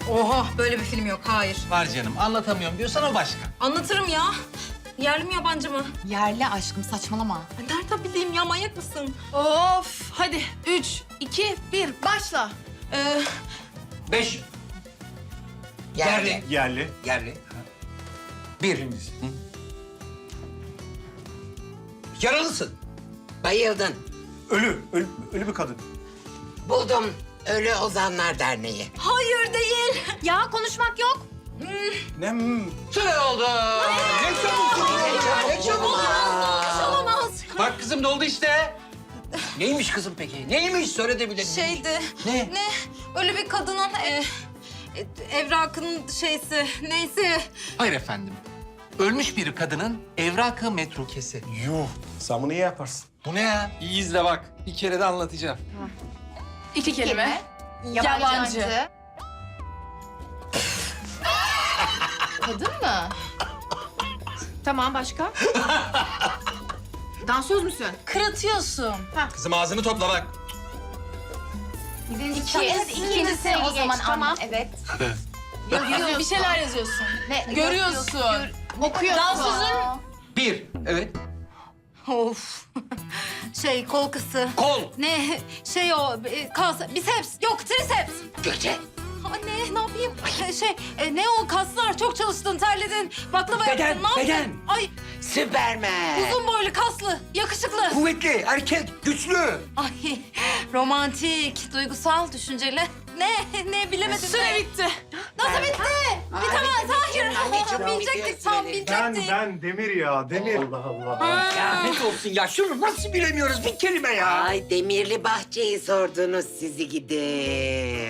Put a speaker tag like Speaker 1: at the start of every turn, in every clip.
Speaker 1: Oha, böyle bir film yok, hayır.
Speaker 2: Var canım, anlatamıyorum diyorsan o başka.
Speaker 1: Anlatırım ya. Yerli mi yabancı mı?
Speaker 3: Yerli aşkım, saçmalama.
Speaker 1: Ay, nereden bileyim ya, manyak mısın?
Speaker 3: Of, hadi 3, 2, 1, başla.
Speaker 4: 5.
Speaker 5: Yerli.
Speaker 6: Yerli.
Speaker 4: Yerli. 1. Yaralısın.
Speaker 5: Bayıldın.
Speaker 6: Ölü. Ölü bir kadın.
Speaker 5: Buldum. Ölü Ozanlar Derneği.
Speaker 1: Hayır değil.
Speaker 3: Ya konuşmak yok.
Speaker 6: Ne?
Speaker 4: Süre oldu.
Speaker 5: Ne çabuk.
Speaker 1: Olamaz.
Speaker 2: Bak kızım doldu işte.
Speaker 4: Neymiş kızım peki? Neymiş? Söyle de bilelim.
Speaker 1: Şeydi.
Speaker 4: Ne?
Speaker 1: Öyle bir kadının evrakın şeysi, neyse.
Speaker 2: Hayır efendim. Ölmüş bir kadının evrakı metrukesi.
Speaker 6: Yuh. Sen bunu iyi yaparsın.
Speaker 2: Bu ne ya? İyi izle bak. Bir kere de anlatacağım.
Speaker 3: 2 kelime. Yabancı. Kadın mı? Tamam, başka? Dansöz müsün?
Speaker 1: Kırıtıyorsun.
Speaker 2: Kızım ağzını topla bak.
Speaker 3: İkincisi o zaman tamam. Evet. Yazıyorsun. Bir şeyler yazıyorsun. Ne? Görüyorsun. Okuyorsun. Dansözün.
Speaker 4: 1. Evet.
Speaker 1: Of. Kol kısı.
Speaker 4: Kol.
Speaker 1: Ne? Biceps. Yok, triceps.
Speaker 5: Gökçe.
Speaker 1: Anne, ne yapayım? Ne o kaslar? Çok çalıştın, terledin. Baklava
Speaker 4: Beden,
Speaker 1: yaptın. Ne
Speaker 4: beden.
Speaker 1: yaptın? Ay,
Speaker 5: Süpermen.
Speaker 1: uzun boylu, kaslı, yakışıklı.
Speaker 4: Kuvvetli, erkek, güçlü.
Speaker 1: Ay, romantik, duygusal, düşünceli. Ne bilemedim.
Speaker 3: Süre bitti.
Speaker 1: Nasıl bitti? Bitemez, hayır.
Speaker 5: Ay, çok
Speaker 1: Bilecektik,
Speaker 5: biliyorsun
Speaker 1: tam
Speaker 5: beni.
Speaker 1: bilecektik.
Speaker 6: Ben Demir ya. Demir. Allah Allah.
Speaker 4: Ya ne olsun ya? Şunu nasıl bilemiyoruz? Bir kelime ya.
Speaker 5: Ay Demirli Bahçe'yi sordunuz sizi gidi.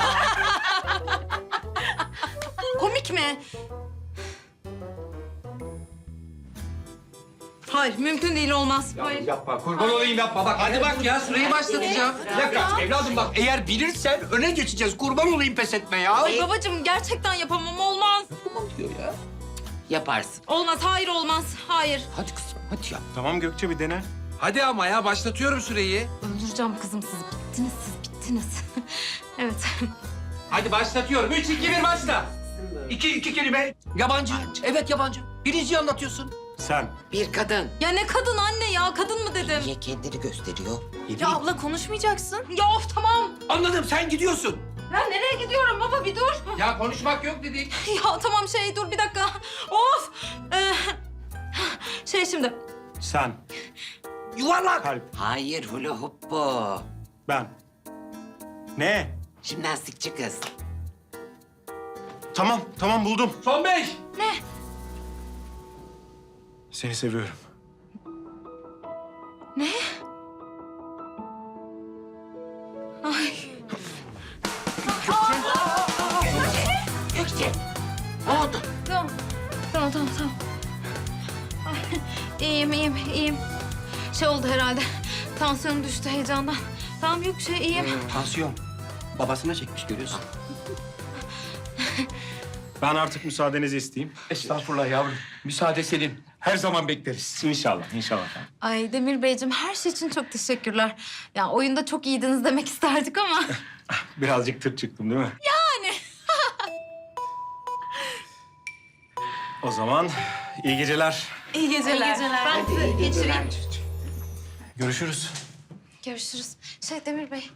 Speaker 1: Komik mi? Hayır, mümkün değil, olmaz. Hayır.
Speaker 4: Yapma, kurban olayım yapma. Bak
Speaker 2: Hadi bak ya süreyi başlatacağım.
Speaker 4: Bir dakika evladım bak eğer bilirsen öne geçeceğiz. Kurban olayım pes etme ya.
Speaker 1: Ay babacığım, gerçekten yapamam, olmaz.
Speaker 4: Tamam diyor ya.
Speaker 5: Yaparsın.
Speaker 1: Olmaz, hayır olmaz, hayır.
Speaker 4: Hadi kızım hadi yap.
Speaker 6: Tamam Gökçe bir dene.
Speaker 2: Hadi ama ya başlatıyorum süreyi.
Speaker 1: Öldüreceğim kızım, siz bittiniz. Evet.
Speaker 2: Hadi başlatıyorum. 3, 2, 1 başla.
Speaker 4: İki kelime. Yabancı. Evet yabancı. Birinciyi anlatıyorsun.
Speaker 6: Sen.
Speaker 5: Bir kadın.
Speaker 1: Ya ne kadın anne ya, kadın mı dedim?
Speaker 5: Niye kendini gösteriyor?
Speaker 1: Ya abla, konuşmayacaksın. Ya of, tamam.
Speaker 4: Anladım sen gidiyorsun.
Speaker 1: Ben nereye gidiyorum baba, bir dur.
Speaker 2: Ya konuşmak yok dedik.
Speaker 1: Ya tamam, dur bir dakika. Of. Şimdi.
Speaker 6: Sen.
Speaker 4: Yuvarlak.
Speaker 6: Kalp.
Speaker 5: Hayır hula hoop bu.
Speaker 6: Ben. Ne?
Speaker 5: Jimnastikçi kız.
Speaker 6: Tamam buldum.
Speaker 2: Son 5.
Speaker 6: Seni seviyorum.
Speaker 1: Ne? Ay.
Speaker 5: Gökçe. Ne oldu?
Speaker 1: Tamam. Ay, iyiyim. Oldu herhalde. Tansiyonum düştü heyecandan. Tamam, yok iyiyim.
Speaker 4: Tansiyon. Babasına çekmiş görüyorsun.
Speaker 6: Ben artık müsaadenizi isteyeyim.
Speaker 4: Estağfurullah yavrum. Müsaade senin. Her zaman bekleriz.
Speaker 6: İnşallah.
Speaker 1: Ay Demir Beyciğim, her şey için çok teşekkürler. Ya oyunda çok iyiydiniz demek isterdik ama.
Speaker 6: Birazcık tırt çıktım değil mi? Yani. O zaman iyi geceler.
Speaker 1: İyi geceler. Ben sizi geçireyim.
Speaker 6: Görüşürüz.
Speaker 1: Görüşürüz. Demir Bey.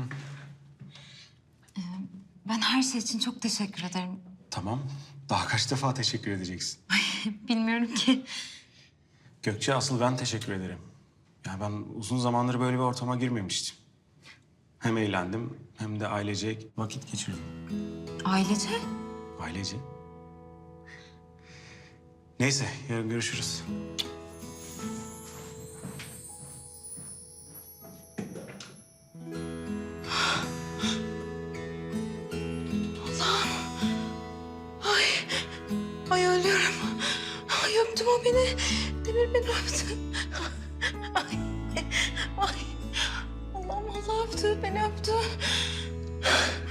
Speaker 1: Ben her şey için çok teşekkür ederim.
Speaker 6: Tamam. Daha kaç defa teşekkür edeceksin?
Speaker 1: Bilmiyorum ki.
Speaker 6: Gökçe, asıl ben teşekkür ederim. Ya ben uzun zamandır böyle bir ortama girmemiştim. Hem eğlendim hem de ailecek vakit geçirdim.
Speaker 1: Ailece?
Speaker 6: Ailece. Neyse, yarın görüşürüz.
Speaker 1: Ay ölüyorum. Ay öptüm o beni. Demir beni öptü. Ay. Allah'ım, Allah öptü, beni öptü.